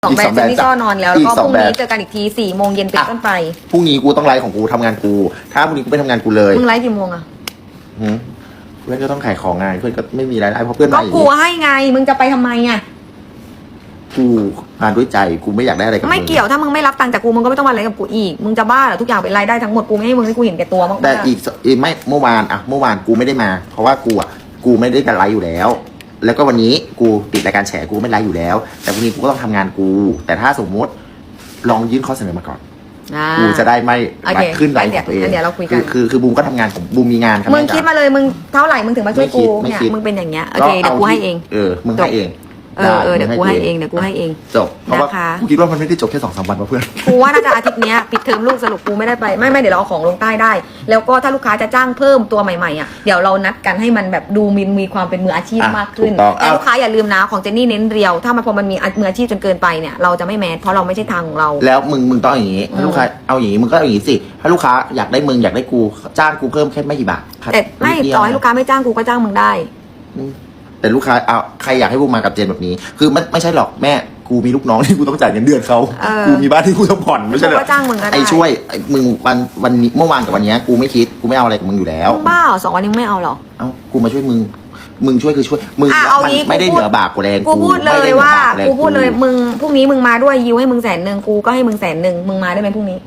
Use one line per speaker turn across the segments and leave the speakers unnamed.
ของแบรนด์เจนนี่ก็นอนแล้วแล้วก็พรุ่งนี้เจอกันอีกที4 โมงเย็นเป็นต้นไป
พรุ่งนี้กูต้องไลฟ์ของกูทำงานกูถ้าพรุ่งนี้กูไปทำงานกูเลย
มึงไลฟ์กี่โมงอะ
เพื่อนก็ต้องขายของไงเพื่อนก็ไม่มีรายได้เพราะเพื่อน
ก็กูให้ไงมึงจะไปทำไมอะ
กูงานด้วยใจกูไม่อยากได้อะไรกับมึง
ไม่เกี่ยวถ้ามึงไม่รับตังค์จากกูมึงก็ไม่ต้องมาอะไรกับกูอีกมึงจะบ้าเหรอทุกอย่างเป็นรายได้ทั้งหมดกูไม่ให้มึงให้กูเห็นแก่ตัวมาก
แต่อีกไม่เมื่อวานกูไม่ได้มาเพราะว่ากูไม่ได้การไลฟ์อยู่แล้วแล้วก็วันนี้กูติดรายการแฉกูไม่ไลฟ์อยู่แล้วแต่วันนี้กูก็ต้องทำงานกูแต่ถ้าสมมติลองยื่นข้อเสนอมาก่อนกูจะได้ไม่ขึ้นไลฟ์ของตัวเอง
เดี๋ยวเราคุยกัน
คือบูมก็ทำงานของบูมมีงาน
มึงคิดมาเลยมึงเท่าไหร่มึงถึงมาช่วยกูเนี่ยมึงเป็นอย่างเงี้ยโอเคเดี๋ยวกูให้เอง
มึงให้เอง
เดี๋ยวกูให้เอง
จบเพราะว่ากูคิดว่ามันไม่ได้จบแค่2-3 วันเพื่อน
กูว่าน่าจะอาทิตย์นี้ปิดเทอมลูกสรุปกูไม่ได้ไปไม่เดี๋ยวเราเอาของลงใต้ได้แล้วก็ถ้าลูกค้าจะจ้างเพิ่มตัวใหม่ๆอ่ะเดี๋ยวเรานัดกันให้มันแบบดูมีความเป็นมืออาชีพมากขึ้นแต่ลูกค้าอย่าลืมนะของเจนนี่เน้นเรียวถ้ามันพอมันมีมืออาชีพจนเกินไปเนี่ยเราจะไม่แมสเพราะเราไม่ใช่ทางของเรา
แล้วมึงต้องอย่างนี้ถ้าลูกค้าเอาอย่างนี้มึงก็อย่างนี้สิถ้าลูกค้าอยากได้มึงอยากได้กูจ้างกูเพิ่มแค่ไม่กี่บาท
แต่ไม่ต่อให้ลูกค้าไม่จ้างกูก็จ้างมึงได้
แต่ลูกค้าเอาใครอยากให้บูมมากับเจนแบบนี้คือไม่ใช่หรอกแม่กูมีลูกน้องที่กูต้องจ่ายเงินเดือนเขากูมีบ้านที่กูต้องผ่อนไม่ใช่เหรอไอ้ช่วยมึงวันนี้เมื่อวานกับวันนี้กูไม่คิดกูไม่เอาอะไรกับมึงอยู่แล้ว
บ้า2 วันนี้ไม่เอาหรอ
เอากูมาช่วยมึงช่วยคือช่วยมึงมันไม่ได้เหนือบากกูแรง
กูพูดเลยว่ากูพูดเลยมึงพรุ่งนี้มึงมาด้วยยิวให้มึง100,000กูก็ให้มึง100,000มึงมาได้ไหมพรุ่งนี้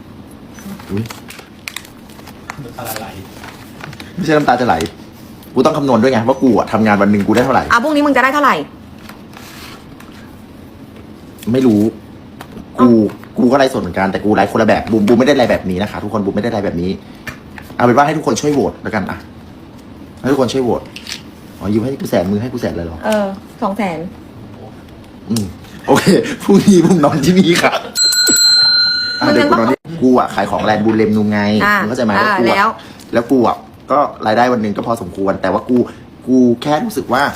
ไม่ใช่น้ำตาจะไหลกูต้องคำนวณด้วยไงว่ากูทำงานวันหนึ่งกูได้เท่าไหร่
พรุ่งนี้มึงจะได้เท่าไหร่
ไม่รู้กูก็ไลฟ์สดเหมือนกันแต่กูไลฟ์คนละแบบบูมไม่ได้ไลฟ์แบบนี้นะคะทุกคนบูมไม่ได้ไลฟ์แบบนี้เอาเป็นว่าให้ทุกคนช่วยโหวตแล้วกันอ่ะให้ทุกคนช่วยโหวตยูให้กู100,000มึงให้กู100,000เลยเหรอ
200,000
โอเคพรุ่งนี้บูมนอนที่นี่ค่ะเดี๋ยวกูนอนที่กูขายของแลนด์บูลเลมนูไงมึงเข้าใจไหมแล้วกูก็รายได้วันหนึ่งก็พอสมควรแต่ว่ากูแค่รู้สึกว่า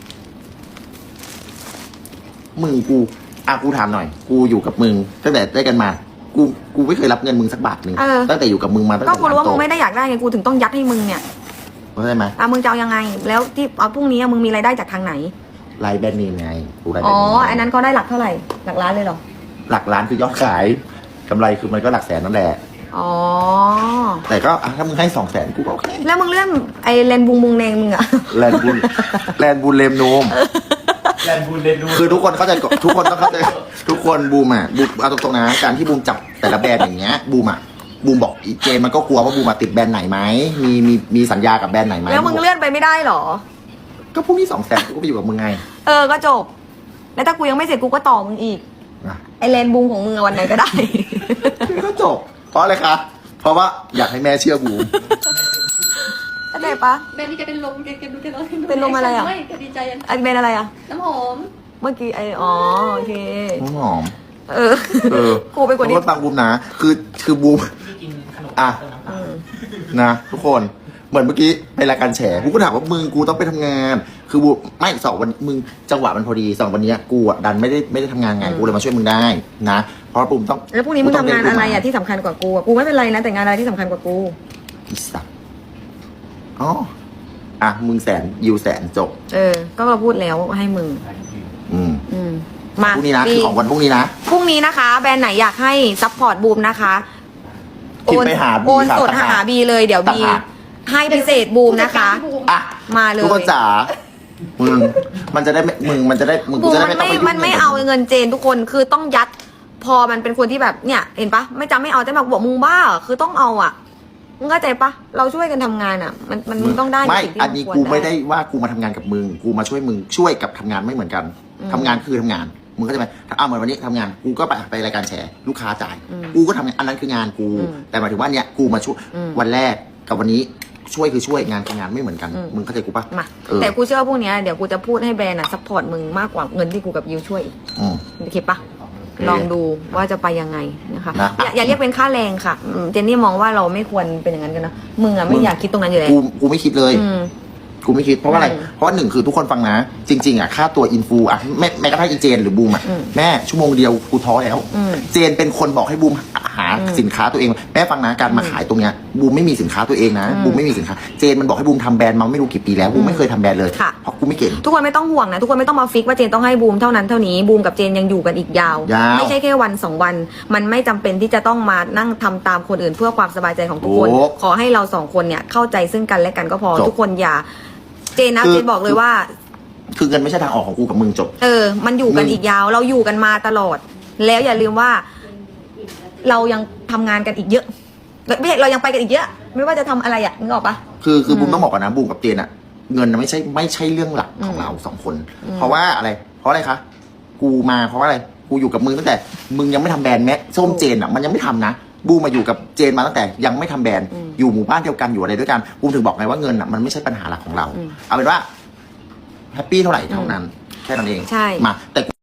กูถามหน่อยกูอยู่กับมึงตั้งแต่ได้กันมากูไม่เคยรับเงินมึงสักบาทหนึ่งตั้งแต่อยู่กับมึงมาตั้งแต่
ก็กูรู้ว่ามึงไม่ได้อยากได้ไงกูถึงต้องยัดให้มึงเนี่ย
เข้าใจไหม
มึงจะเอายังไงแล้วที่พรุ่งนี้มึงมีรายได้จากทางไหน
รายแบรนด์เนมไงกูรายแบรนด์
เนมอันนั้นก็ได้หลักเท่าไหร่หลักล้านเลยเหรอ
หลักล้านคือยอดขายกำไรคือมันก็หลักแสนนั่นแหละแต่ก็ถ้ามึงให้200,000กูก็โอเค
แล้วมึงเลื่อนไอแลนบุงแดงมึงอะ
แลนบูเลมโนมคือทุกคนเข้าใจทุกคนต้องเข้าใจทุกคนบูมเอาตรงๆนะการที่บูมจับแต่ละแบรนด์อย่างเงี้ยบูมบอกอีเจมันก็กลัวว่าบูมติดแบรนด์ไหนไหมมีสัญญากับแบรนด์ไหนไหม
แล้วมึงเลื่อนไปไม่ได้หรอ
ก็พรุ่งนี้200,000กูก็ไปอยู่กับมึงไง
ก็จบแล้วถ้ากูยังไม่เสร็จกูก็ต่อมึงอีกไอแลนบุงของมึงวันไหนก็ได้
ก็จบเพราะอะไรคะเพราะว่าอยากให้แม่เชื่อบูม
เข้าใจปะ
แบรนด์ที่แกเป็นลมแกดูแกร้อง
เป็นลมอะไรอ่ะ
ไม่แกดีใจ
แบรนด์อะไรอ่ะ
น้ำหอม
เมื่อกี้โอเค
น้ำหอม
กูไปกว่านี้
ฟังบูมนะคือบูมนะทุกคนเหมือนเมื่อกี้ไปรายการแฉกูก็ถามว่ามึงกูต้องไปทำงานคือบูไม่2 วันมึงจังหวะมันพอดี2 วันนี้กูดันไม่ได้ทำงานไงกูเลยมาช่วยมึงได้นะเพราะบูมต้อง
แล้วพรุ่งนี้มึงทำงานอะไรที่สำคัญกว่ากูไม่เป็นไรนะแต่งานอะไรที่สำคัญกว่ากู
อีสัตว์มึง100,000ยู100,000จบ
ก็พูดแล้วให้มึง
มาพรุ่งนี้นะคือของวันพรุ่งนี้
นะคะแบรนด์ไหนอยากให้ซัพพอร์ตบูมนะคะโอนสดหาบีเลยเดี๋ยวบีให้พิเศษบูมนะคะมาเลย
ทุกคนจ๋ามันจะได้มึงจะได้
มันไม่เอาเงินเจนทุกคนคือต้องยัดพอมันเป็นคนที่แบบเนี่ยเห็นปะไม่เอาแต่บอกมึงบ้าคือต้องเอามึงเข้าใจปะเราช่วยกันทำงานมันมึงต้องได้
ไม่อันนี้กูไม่ได้ว่ากูมาทำงานกับมึงกูมาช่วยมึงช่วยกับทำงานไม่เหมือนกันทำงานคือทำงานมึงเข้าใจไหมเหมือนวันนี้ทำงานกูก็ไปรายการแชร์ลูกค้าจ่ายกูก็ทำงานอันนั้นคืองานกูแต่หมายถึงว่าเนี่ยกูมาช่วยวันแรกกับวันนี้ช่วยคือช่วยงานกับงานไม่เหมือนกันมึงเข้าใจกูปะ
แต่กูเชื่อว่าพวกนี้เดี๋ยวกูจะพูดให้แบรนด์ซัพพอร์ตมึงมากกว่าเงินที่กูกับยูช่วยโอเคปะลองดูว่าจะไปยังไงนะคะอย่าเรียกเป็นค่าแรงค่ะเจนนี่มองว่าเราไม่ควรเป็นอย่างนั้นกันนะมึงไม่อยากคิดตรงนั้นอยู่แล้ว
กูไม่คิดเลยกูไม่คิดเพราะว่าอะไรเพราะ1คือทุกคนฟังนะจริงๆค่าตัวอินฟูแม้กระทั่งอีเจนหรือบูมแม่ชั่วโมงเดียวกูท้อแล้วเจนเป็นคนบอกให้บูมหาสินค้าตัวเองแม่ฟังนะการมาขายตรงเนี้ยบูมไม่มีสินค้าตัวเองนะบูมไม่มีสินค้าเจนมันบอกให้บูมทำแบรนด์มาไม่รู้กี่ปีแล้วบูมไม่เคยทำแบรนด์เลย
ค่ะ
เพราะกูไม่เก่ง
ทุกคนไม่ต้องห่วงนะทุกคนไม่ต้องมาฟิกว่าเจนต้องให้บูมเท่านั้นเท่านี้บูมกับเจนยังอยู่กันอีกยาว ไม่ใช่แค่วัน2 วันมันไม่จำเป็นที่จะต้องมานั่งทำตามคนอื่นเพื่อความสบายใจของทุกคน
โอ้
ขอให้เรา2 คนเนี่ยเข้าใจซึ่งกันและกันก็พอ
จบ
ทุกคนอย่าเจนนะ
คือ
เจนบอกเลยว่า
คือเงินไม่ใช่ทางออกของกูกับมึงจบ
มันอยู่กันอีกยาวเราอยู่กันมาตลอด แล้วอย่าลืมว่า เรายังทำงานกันอีกเยอะไม่ใช่เรายังไปกันอีกเยอะ ไม่ว่าจะทำอะไรนึกออกปะ
คือบูมต้องบอกก่อนนะบูมกับเจนอะเงินน่ะไม่ใช่เรื่องหลักของเรา2 คน เพราะว่าอะไรเพราะอะไรคะกูมาเพราะว่าอะไรกูอยู่กับมึงตั้งแต่มึงยังไม่ทำแบรนด์แม้ส้มเจนอะมันยังไม่ทำนะบูมมาอยู่กับเจนมาตั้งแต่ยังไม่ทำแบรนด์อยู่หมู่บ้านเดียวกันอยู่อะไรด้วยกันบูมถึงบอกไงว่าเงินอะมันไม่ใช่ปัญหาหลักของเราเอาเป็นว่าแฮปปี้เท่าไหร่เท่านั้นแค่นั้นเอง
ใช่
มาแต่